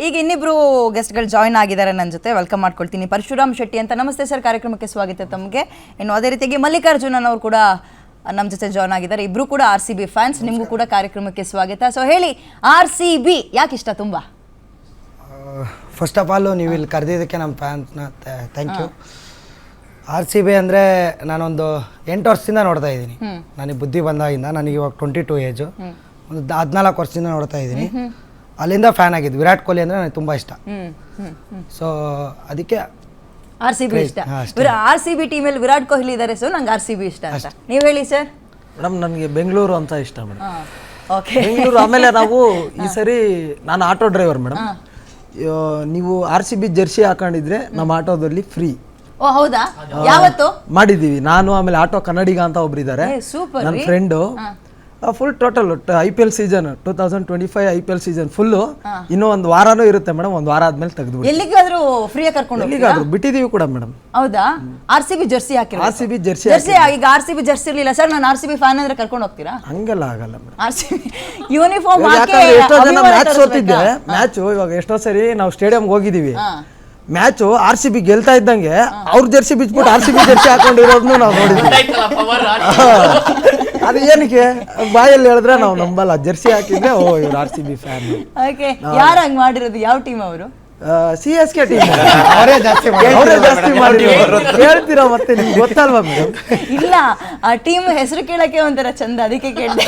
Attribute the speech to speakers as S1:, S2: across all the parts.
S1: ಈಗ ಇನ್ನಿಬ್ರು ಗೆಸ್ಟ್ಗಳು ಜಾಯ್ನ್ ಆಗಿದ್ದಾರೆ ನನ್ನ ಜೊತೆ. ವೆಲ್ಕಮ್ ಮಾಡ್ಕೊಳ್ತೀನಿ. ಪರಶುರಾಮ್ ಶೆಟ್ಟಿ ಅಂತ. ನಮಸ್ತೆ ಸರ್, ಕಾರ್ಯಕ್ರಮಕ್ಕೆ ಸ್ವಾಗತ ತಮಗೆ. ಇನ್ನು ಅದೇ ರೀತಿಯಾಗಿ ಮಲ್ಲಿಕಾರ್ಜುನನ್ ಅವರು ಕೂಡ ನಮ್ಮ ಜೊತೆ ಜಾಯ್ನ್ ಆಗಿದ್ದಾರೆ. ಇಬ್ರು ಕೂಡ RCB ಫ್ಯಾನ್ಸ್. ನಿಮಗೂ ಕೂಡ ಕಾರ್ಯಕ್ರಮಕ್ಕೆ ಸ್ವಾಗತ. ಸೊ ಹೇಳಿ, RCB ಯಾಕೆ ಇಷ್ಟ ತುಂಬಾ?
S2: ಫಸ್ಟ್ ಆಫ್ ಆಲ್ ನೀವು ಇಲ್ಲಿ ಕರೆದಿದ್ದಕ್ಕೆ ನಮ್ಮ ಫ್ಯಾನ್ಸ್ನ ಥ್ಯಾಂಕ್ ಯು. RCB ಅಂದರೆ ನಾನೊಂದು 8 ವರ್ಷದಿಂದ ನೋಡ್ತಾ ಇದ್ದೀನಿ. ನನಗೆ ಬುದ್ಧಿ ಬಂದಾಗಿಂದ, ನನಗೆ ಇವಾಗ 22 ಏಜು, ಒಂದು 14 ವರ್ಷದಿಂದ ನೋಡ್ತಾ ಇದ್ದೀನಿ. ಅಲ್ಲಿಂದ ಫ್ಯಾನ್ ಆಗಿದ್ದು. ವಿರಾಟ್ ಕೊಹ್ಲಿ ಅಂದರೆ ನನಗೆ ತುಂಬ ಇಷ್ಟ. ಸೊ ಅದಕ್ಕೆ
S1: RCB ಇಷ್ಟ. RCB ಟೀಮಲ್ಲಿ ವಿರಾಟ್ ಕೊಹ್ಲಿ ಇದ್ದಾರೆ, ಸೊ ನಂಗೆ RCB ಇಷ್ಟ ಅಂತ. ನೀವು ಹೇಳಿ ಸರ್.
S3: ಮೇಡಮ್ ನನಗೆ ಬೆಂಗಳೂರು ಅಂತ ಇಷ್ಟ ಮೇಡಮ್.
S1: ಓಕೆ,
S3: ಬೆಂಗಳೂರು. ಆಮೇಲೆ ನಾವು ಈ ಸರಿ ನಾನು ಆಟೋ ಡ್ರೈವರ್ ಮೇಡಮ್. ನೀವು RCB ಜರ್ಸಿ ಹಾಕೊಂಡಿದ್ರೆ ನಮ್ಮ ಆಟೋದಲ್ಲಿ ಫ್ರೀ.
S1: ಓ ಹೌದಾ? ಯಾವತ್ತು
S3: ಮಾಡಿದ್ದೀವಿ ನಾನು. ಆಮೇಲೆ ಆಟೋ ಕನ್ನಡಿಗ ಅಂತ ಒಬ್ರು ಇದ್ದಾರೆ, ನನ್ನ friend. Full total IPL season 2025 IPL season full ಇನ್ನೂ ಒಂದು ವಾರನೂ ಇರುತ್ತೆ ಮೇಡಮ್. ಒಂದು ವಾರ ಆದ್ಮೇಲೆ ತೆಗೆದು
S1: ಎಲ್ಲಿಗಾದ್ರೂ ಫ್ರೀಯಾಗಿ ಕರ್ಕೊಂಡು
S3: ಎಲ್ಲಿಗಾದ್ರೂ ಬಿಟ್ಟಿದೀವಿ ಕೂಡ ಮೇಡಮ್.
S1: ಹೌದಾ? RCB ಜರ್ಸಿ ಹಾಕಿರೋ?
S3: RCB jersey.
S1: ಈಗ RCB ಜರ್ಸಿ ಇರಲಿಲ್ಲ ಸರ್, ನಾನು RCB ಫ್ಯಾನ್ ಅಂದ್ರೆ ಕರ್ಕೊಂಡು ಹೋಗ್ತೀರಾ?
S3: ಹಂಗೆಲ್ಲ ಆಗಲ್ಲ ಮೇಡಮ್.
S1: RCB ಯೂನಿಫಾರ್ಮ್
S3: ಯಾಕಂದ್ರೆ ಎಷ್ಟೋ ಜನ ಮ್ಯಾಚ್ ಸೋತಿದ್ದೆ. ಮ್ಯಾಚು ಇವಾಗ ಎಷ್ಟೋ ಸರಿ ನಾವು ಸ್ಟೇಡಿಯಂಗೆ ಹೋಗಿದೀವಿ, ಮ್ಯಾಚು RCB ಗೆಲ್ತಾ ಇದ್ದಂಗೆ ಅವ್ರ ಜರ್ಸಿ ಬಿಚ್ಬಿಟ್ಟು RCB ಜರ್ಸಿ ಹಾಕೊಂಡಿರೋದನ್ನು ನಾವು ನೋಡಿದ್ವಿ. ಅದು ಏನಕ್ಕೆ ಬಾಯಲ್ಲಿ ಹೇಳಿದ್ರೆ ನಾವು ನಂಬಲ್ಲ. ಜರ್ಸಿ ಹಾಕಿದ್ರೆ ಓ ಇವ್ರು RCB ಫ್ಯಾನ್.
S1: ಓಕೆ, ಯಾರು ಹಂಗ್ ಮಾಡಿರೋದು? ಯಾವ ಟೀಮ್ ಅವರು?
S3: CSK team. ಅವರೇ ಜಾಸ್ತಿ ಮಾಡಿರೋದು. ಹೇಳ್ತೀರಾ ಮತ್ತೆ, ನಿಮ್ಗೆ ಗೊತ್ತಲ್ವಾ ಮೇಡಮ್?
S1: ಇಲ್ಲ, ಆ ಟೀಮ್ ಹೆಸರು ಕೇಳಕ್ಕೆ ಒಂಥರ ಚಂದ, ಅದಕ್ಕೆ ಕೇಳಿದೆ.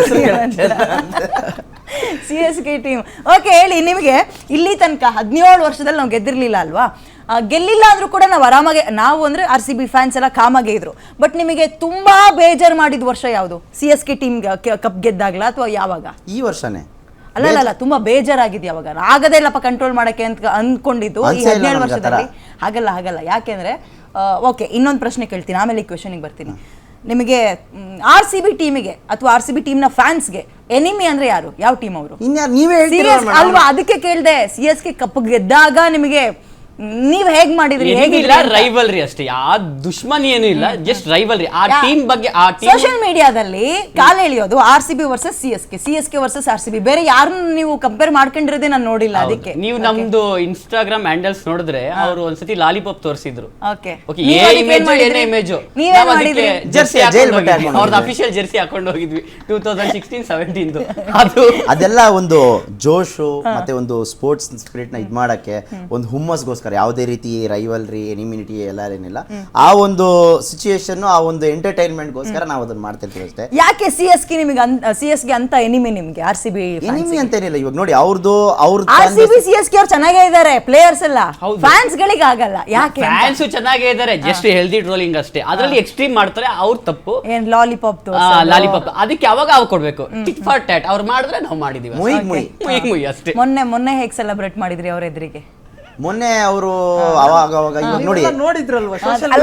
S1: CSK team. ಓಕೆ, ಹೇಳಿ, ನಿಮಗೆ ಇಲ್ಲಿ ತನಕ 17 ವರ್ಷದಲ್ಲಿ ನಾವು ಗೆದ್ದಿರ್ಲಿಲ್ಲ ಅಲ್ವಾ? ಗೆಲ್ಲಿಲ್ಲ ಅಂದ್ರೂ ಕೂಡ ನಾವು ಆರಾಮಾಗೆ, ನಾವು ಅಂದ್ರೆ RCB ಫ್ಯಾನ್ಸ್ ಎಲ್ಲ ಕಾಮಾಗೆ ಇದ್ರು. ಬಟ್ ನಿಮಗೆ ತುಂಬಾ ಬೇಜಾರು ಮಾಡಿದ ವರ್ಷ ಯಾವುದು? CSK ಟೀಮ್ ಕಪ್ ಗೆದ್ದಾಗ್ಲಾ ಅಥವಾ ಯಾವಾಗ?
S4: ಈ ವರ್ಷನೇ.
S1: ಅಲ್ಲ, ತುಂಬಾ ಬೇಜಾರಾಗಿದೆ ಯಾವಾಗ? ಆಗದೇ ಇಲ್ಲಪ್ಪ ಕಂಟ್ರೋಲ್ ಮಾಡಕ್ಕೆ ಅಂತ ಅಂದ್ಕೊಂಡಿದ್ದು ಈ 17 ವರ್ಷದಲ್ಲಿ. ಹಾಗಲ್ಲ. ಯಾಕೆಂದ್ರೆ ಓಕೆ, ಇನ್ನೊಂದು ಪ್ರಶ್ನೆ ಕೇಳ್ತೀನಿ, ಆಮೇಲೆ ಈ ಕ್ವೆಶನಿಗೆ ಬರ್ತೀನಿ. ನಿಮಗೆ RCB ಟೀಮಿಗೆ ಅಥವಾ RCB ಟೀಮ್ನ ಫ್ಯಾನ್ಸ್ಗೆ ಎನಿಮಿ ಅಂದ್ರೆ ಯಾರು? ಯಾವ ಟೀಮ್ ಅವರು?
S4: ನೀವೇ
S1: ಅಲ್ವಾ, ಅದಕ್ಕೆ ಕೇಳಿದೆ. CSK ಕಪ್ ಗೆದ್ದಾಗ ನಿಮಗೆ ನೀವ್ ಹೇಗ್ ಮಾಡಿದ್ರಿ?
S5: ಹೇಗಿಲ್ಲ, ರೈವಲ್ರಿ ಅಷ್ಟೇ, ಆ ದುಶ್ಮನಿ ಏನು ಇಲ್ಲ, ಜಸ್ಟ್ ರೈವಲ್ರಿ. ಆ ಟೀಮ್ ಬಗ್ಗೆ
S1: ಸೋಷಿಯಲ್ ಮೀಡಿಯಾದಲ್ಲಿ ಕಾಲ ಎಳೆಯೋದು RCB versus CSK versus RCB. ಬೇರೆ ಯಾರನ್ನು ನೀವು ಕಂಪೇರ್ ಮಾಡ್ಕೊಂಡಿರೋದೇ ನಾನು ನೋಡಿಲ್ಲ. ಅದಕ್ಕೆ ನೀವು
S5: ನಮ್ದು ಇನ್ಸ್ಟಾಗ್ರಾಮ್ ಹ್ಯಾಂಡಲ್ಸ್ ನೋಡಿದ್ರೆ ಅವರು ಒಂದ್ಸತಿ ಲಾಲಿಪಾಪ್ ತೋರಿಸಿದ್ರು.
S1: ಓಕೆ,
S5: ಇಮೇಜ್
S1: ನೀವೇನ್ ಮಾಡಿದ್ರಿ?
S5: ಜರ್ಸಿ ಅವ್ರದ್ದು ಅಫಿಷಿಯಲ್ ಜರ್ಸಿ ಹಾಕೊಂಡು ಹೋಗಿದ್ವಿ 2016-17.
S4: ಅದೆಲ್ಲ ಒಂದು ಜೋಶು ಮತ್ತೆ ಒಂದು ಸ್ಪೋರ್ಟ್ಸ್ ಸ್ಪಿರಿಟ್ ನ ಇದ್ ಮಾಡಕ್ಕೆ, ಒಂದು ಹುಮ್ಮಸ್ಗೋಸ್ಕರ, ಯಾವುದೇ ರೀತಿ ರೈವಲ್ರಿ ಎನಿಮಿನಿಟಿ ಎಲ್ಲ ಏನಿಲ್ಲ. ಆ ಒಂದು ಸಿಚುಯೇಷನ್, ಆ ಒಂದು ಎಂಟರ್ಟೈನ್ಮೆಂಟ್ ಗೋಸ್ಕರ ನಾವು ಅದನ್ನ ಮಾಡ್ತಿರ್ತೀವಿ ಅಷ್ಟೇ.
S1: ಯಾಕೆ CSK ಅಂತ ಎನಿಮಿ ನಿಮ್ಗೆ? RCB
S4: ಎನಿಮಿ ಅಂತ ಏನಿಲ್ಲ. ಇವಾಗ ನೋಡಿ, ಅವ್ರ
S1: RCB CSK ಅವ್ರು ಚೆನ್ನಾಗೇ ಇದ್ದಾರೆ, ಪ್ಲೇಯರ್ಸ್ ಎಲ್ಲ. ಫ್ಯಾನ್ಸ್ ಗಳಿಗೆ ಆಗಲ್ಲ. ಯಾಕೆ?
S5: ಫ್ಯಾನ್ಸ್ ಚೆನ್ನಾಗೇ ಇದ್ದಾರೆ, ಜಸ್ಟ್ ಹೆಲ್ದಿ ಟ್ರೋಲಿಂಗ್ ಅಷ್ಟೇ. ಅದರಲ್ಲಿ ಎಕ್ಸ್ಟ್ರೀಮ್ ಮಾಡ್ತಾರೆ, ಅವ್ರ ತಪ್ಪು.
S1: ಏನ್ ಲಾಲಿಪಾಪ್
S5: ಅದಕ್ಕೆ ಯಾವಾಗ ಅವ್ರು ಕೊಡ್ಬೇಕು, ಟಿಟ್ ಫಾರ್ ಟ್ಯಾಟ್. ಅವ್ರು ಮಾಡಿದ್ರೆ ನಾವು ಮಾಡಿದೀವಿ, ಮುಯ್ ಅಷ್ಟೇ.
S1: ಮೊನ್ನೆ ಹೇಗೆ ಸೆಲೆಬ್ರೇಟ್ ಮಾಡಿದ್ರಿ ಅವ್ರ ಎದುರಿಗೆ?
S4: ಮೊನ್ನೆ ಅವರು ಅವಾಗ ನೋಡಿ
S3: ನೋಡಿದ್ರಲ್ವಾ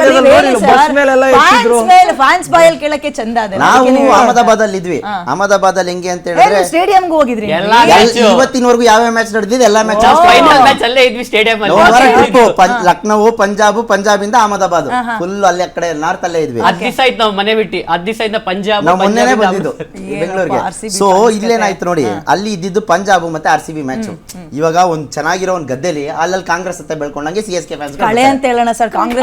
S1: ಫ್ಯಾನ್ಸ್ ಬಾಯಲ್ಲಿ ಕೇಳಕ್ಕೆ ಚಂದ.
S4: ನಾವು ಅಹಮದಾಬಾದ್ ಅಲ್ಲಿ ಇದ್ವಿ. ಅಹಮದಾಬಾದ್ ಅಲ್ಲಿ ಹೆಂಗೆ ಅಂತ ಹೇಳಿದ್ರೆ
S1: ಸ್ಟೇಡಿಯಂಗೆ ಹೋಗಿದ್ರಿ?
S4: ಇವತ್ತಿನವರೆಗೂ ಯಾವ ಮ್ಯಾಚ್ ನಡೆದಿದೆ ಎಲ್ಲ ಮ್ಯಾಚ್
S5: ಫೈನಲ್ ಮ್ಯಾಚ್ ಅಲ್ಲೇ ಇದ್ವಿ ಸ್ಟೇಡಿಯಂ ಅಲ್ಲಿ.
S4: ಲಕ್ನೋ, ಪಂಜಾಬ್ ಇಂದ ಅಹಮದಾಬಾದ್ ಫುಲ್ ಅಲ್ಲಿ ಆ ಕಡೆ ನಾರ್ತ್ ಅಲ್ಲೇ ಇದ್ವಿ.
S5: 10 ದಿವಸ ಆಯ್ತು ನಾವು ಮನೆ ಬಿಟ್ಟು. 10 ದಿವಸ ಇಂದ ಪಂಜಾಬ್.
S4: ನಾವು ಮೊನ್ನೆನೇ ಬಂದಿದ್ದು ಬೆಂಗಳೂರಿಗೆ. ಸೊ ಇಲ್ಲೇನಾಯ್ತು ನೋಡಿ, ಅಲ್ಲಿ ಇದ್ದಿದ್ದು ಪಂಜಾಬ್ ಮತ್ತೆ RCB ಮ್ಯಾಚ್. ಇವಾಗ ಒಂದ್ ಚೆನ್ನಾಗಿರೋ ಒಂದ್ ಗದ್ದೆಲಿ ಅಲ್ಲಿ ಕಾಂಗ್ರೆಸ್ ಅಂತ ಬೆಳ್ಕೊಂಡಂಗೆ CSK ಫ್ಯಾನ್ಸ್
S1: ಕಳೆ ಅಂತ ಹೇಳೋಣ ಸರ್. ಕಾಂಗ್ರೆಸ್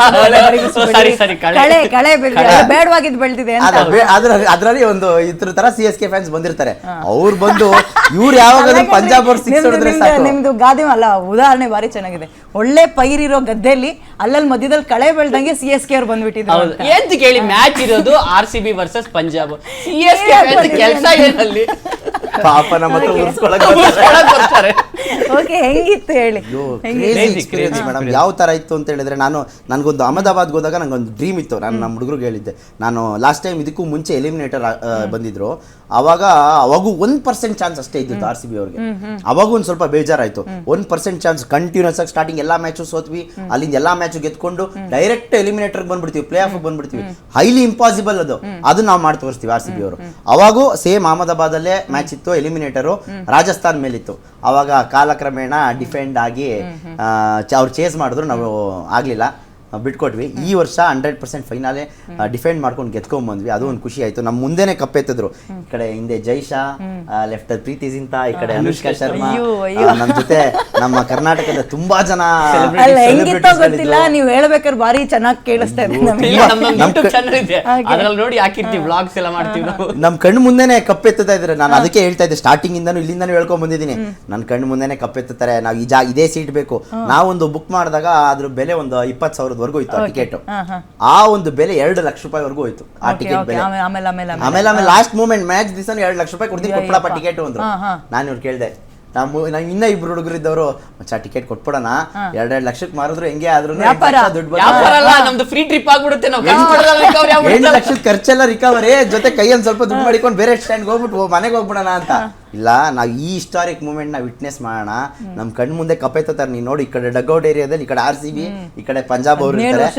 S1: ಬೇಡವಾಗಿದ್ದು ಬೆಳೆದಿದೆ.
S4: ಅದ್ರಲ್ಲಿ ಒಂದು ಇದ್ರ ತರ CSK ಫ್ಯಾನ್ಸ್ ಬಂದಿರ್ತಾರೆ. ಅವ್ರು ಬಂದು ಇವ್ರು ಯಾವಾಗ ಪಂಜಾಬ್ ಅವ್ರು 6 ಹೊಡೆದ್ರೆ ಸಾಕು.
S1: ನಿಮ್ದು ಗಾದೆ ಅಲ್ಲ, ಉದಾಹರಣೆ ಬಾರಿ ಚೆನ್ನಾಗಿದೆ. ಒಳ್ಳೆ ಪೈರಿರೋ ಗದ್ದೆಯಲ್ಲಿ ಅಲ್ಲಲ್ಲಿ ಮಧ್ಯದಲ್ಲಿ ಕಳೆ ಬೆಳ್ದಂಗೆ CSK ಅವ್ರು ಬಂದ್ಬಿಟ್ಟಿದ್ರು.
S5: ಎಂತ ಕೇಳಿ, ಮ್ಯಾಚ್ ಇರೋದು RCB ವರ್ಸಸ್ ಪಂಜಾಬ್. CSK ಕೆಲಸ ಏನಲ್ಲಿ
S4: ಪಾಪ ನಮ್ಮ ಹತ್ರ
S5: ಬರ್ತಾರೆ.
S1: ಓಕೆ, ಹೆಂಗಿತ್ತು ಹೇಳಿ?
S4: ಮೇಡಮ್, ಯಾವ ತರ ಇತ್ತು ಅಂತ ಹೇಳಿದ್ರೆ, ನನ್ಗೊಂದು ಅಹಮದಾಬಾದ್ ಹೋದಾಗ ನಂಗೊಂದು ಡ್ರೀಮ್ ಇತ್ತು. ನಾನು ನಮ್ಮ ಹುಡುಗರಿಗೆ ಹೇಳಿದ್ದೆ, ನಾನು ಲಾಸ್ಟ್ ಟೈಮ್ ಇದಕ್ಕೂ ಮುಂಚೆ ಎಲಿಮಿನೇಟರ್ ಬಂದಿದ್ರು, ಅವಾಗೂ 1% ಚಾನ್ಸ್ ಅಷ್ಟೇ ಇದ್ದಿತ್ತು RCB ಅವ್ರಿಗೆ. ಅವಾಗೂ ಒಂದ್ ಸ್ವಲ್ಪ ಬೇಜಾರಾಯ್ತು. 1% ಚಾನ್ಸ್ ಕಂಟಿನ್ಯೂಸ್ ಆಗಿ ಸ್ಟಾರ್ಟಿಂಗ್ ಎಲ್ಲಾ ಮ್ಯಾಚು ಸೋತ್ವಿ. ಅಲ್ಲಿಂದ ಎಲ್ಲಾ ಮ್ಯಾಚ್ ಗೆದ್ಕೊಂಡು ಡೈರೆಕ್ಟ್ ಎಲಿಮಿನೇಟರ್ ಬಂದ್ಬಿಡ್ತೀವಿ, ಪ್ಲೇ ಆಫ್ ಬಂದ್ಬಿಡ್ತೀವಿ. ಹೈಲಿ ಇಂಪಾಸಿಬಲ್ ಅದು ನಾವು ಮಾಡಿ ತೋರಿಸ್ತೀವಿ RCB ಅವರು. ಅವಾಗೂ ಸೇಮ್ ಅಹಮದಾಬಾದ್ ಅಲ್ಲೇ ಮ್ಯಾಚ್ ಇತ್ತು, ಎಲಿಮಿನೇಟರು ರಾಜಸ್ಥಾನ್ ಮೇಲಿತ್ತು. ಅವಾಗ ಕಾಲಕ್ರಮೇಣ ಡಿಫೆಂಡ್ ಆಗಿ ಅವ್ರು ಚೇಸ್ ಮಾಡಿದ್ರು, ನಾವು ಆಗ್ಲಿಲ್ಲ. ಬಿಟ್ಕೊಟ್ವಿ. ಈ ವರ್ಷ 100% ಫೈನಲೇ ಡಿಫೆಂಡ್ ಮಾಡ್ಕೊಂಡು ಗೆದ್ಕೊಂಡ್ಬಂದ್ವಿ. ಅದು ಒಂದು ಖುಷಿ ಆಯ್ತು. ನಮ್ಮ ಮುಂದೆನೆ ಕಪ್ಪೆತ್ತಿದ್ರು. ಈ ಕಡೆ ಹಿಂದೆ ಜೈಶಾ, ಲೆಫ್ಟ್ ಪ್ರೀತಿ ಜಿಂತಾ, ಈ ಕಡೆ ಅನುಷ್ಕಾ ಶರ್ಮಾ, ನಮ್ಮ ಜೊತೆ ನಮ್ಮ ಕರ್ನಾಟಕದ ತುಂಬಾ ಜನ
S1: ಅಲ್ಲ ಹೆಂಗಿತ್ತೋ ಗೊತ್ತಿಲ್ಲ, ನೀವು ಹೇಳ್ಬೇಕಾದ್ರೆ ಭಾರಿ ಚೆನ್ನಾಗಿ ಕೇಳಿಸ್ತಾ ಇದೆ ನಮಗೆ.
S5: ಯೂಟ್ಯೂಬ್ ಚಾನಲ್ ಇದೆ, ಅದ್ರಲ್ಲಿ ನೋಡಿ ಹಾಕಿರ್ತೀವಿ, ವ್ಲಾಗ್ಸ್ ಎಲ್ಲ ಮಾಡ್ತೀವಿ ನಾವು.
S4: ನಮ್ ಕಣ್ಣು ಮುಂದೆನೆ ಕಪ್ಪೆತ್ತಾ ಇದ್ರೆ, ನಾನು ಅದಕ್ಕೆ ಹೇಳ್ತಾ ಇದ್ದೆ ಸ್ಟಾರ್ಟಿಂಗ್ ಇಂದಾನು ಇಲ್ಲಿಂದಾನು ಹೇಳ್ಕೊಂಡ್ ಬಂದಿದ್ದೀನಿ. ನನ್ನ ಕಣ್ಣು ಮುಂದೆನೆ ಕಪ್ಪೆತ್ತಾರೆ. ನಾವು ಇದೇ ಸೀಟ್ ಬೇಕು. ನಾವೊಂದು ಬುಕ್ ಮಾಡಿದಾಗ ಅದ್ರ ಬೆಲೆ ಒಂದು 20,000 ಇತ್ತು ಟಿಕೆಟ್. ಆ ಒಂದು ಬೆಲೆ 2 ಲಕ್ಷ ರೂಪಾಯಿವರೆಗೂ ಹೋಯ್ತು ಆ ಟಿಕೆಟ್ ಬೆಲೆ. ಆಮೇಲೆ ಲಾಸ್ಟ್ ಮೂಮೆಂಟ್ ಮ್ಯಾಚ್ ದಿವಸ 2 ಲಕ್ಷ ರೂಪಾಯಿ ಕೊಡ್ತೀನಿ, ಕೊಟ್ಬಿಡಪ್ಪ ಟಿಕೆಟ್ ಅಂದ್ರು. ನಾನು ಇವ್ರು ಕೇಳ್ದೆ, ನಾವು ಇನ್ನ ಇಬ್ರು ಹುಡುಗರಿದ್ದವರು, ಮಚ್ಚ ಟಿಕೆಟ್ ಕೊಟ್ಬಿಡೋಣ, 2 ಲಕ್ಷಕ್ಕೆ ಮಾರಿದ್ರು ಹೆಂಗೆ ಆದ್ರೂ ದುಡ್ಡು
S5: ನಮ್ದು ಫ್ರೀ ಟ್ರಿಪ್ ಆಗ್ಬಿಡುತ್ತೆ. ನಾವು
S4: 8 ಲಕ್ಷದ ಖರ್ಚೆಲ್ಲ ರಿಕವರಿ, ಜೊತೆ ಕೈಯಲ್ಲಿ ಸ್ವಲ್ಪ ದುಡ್ಡು ಮಾಡಿಕೊಂಡು ಬೇರೆ ಸ್ಟ್ಯಾಂಡ್ ಹೋಗ್ಬಿಟ್ಟು ಮನೆಗೆ ಹೋಗ್ಬಿಡೋಣ ಅಂತ. ಇಲ್ಲ, ನಾವು ಈ ಹಿಸ್ಟಾರಿಕ್ ಮೂಮೆಂಟ್ ನ ವಿಟ್ನೆಸ್ ಮಾಡೋಣ. ನಮ್ ಕಣ್ ಮುಂದೆ ಕಪ್ಪೆತ್ತಾರೆ. ನೀನ್ ನೋಡಿ, ಈ ಕಡೆ ಡಗ್ಔಟ್ ಏರಿಯಾದಲ್ಲಿ ಈ ಕಡೆ RCB, ಈ ಕಡೆ ಪಂಜಾಬ್ ಅವರು ಇರ್ತಾರೆ.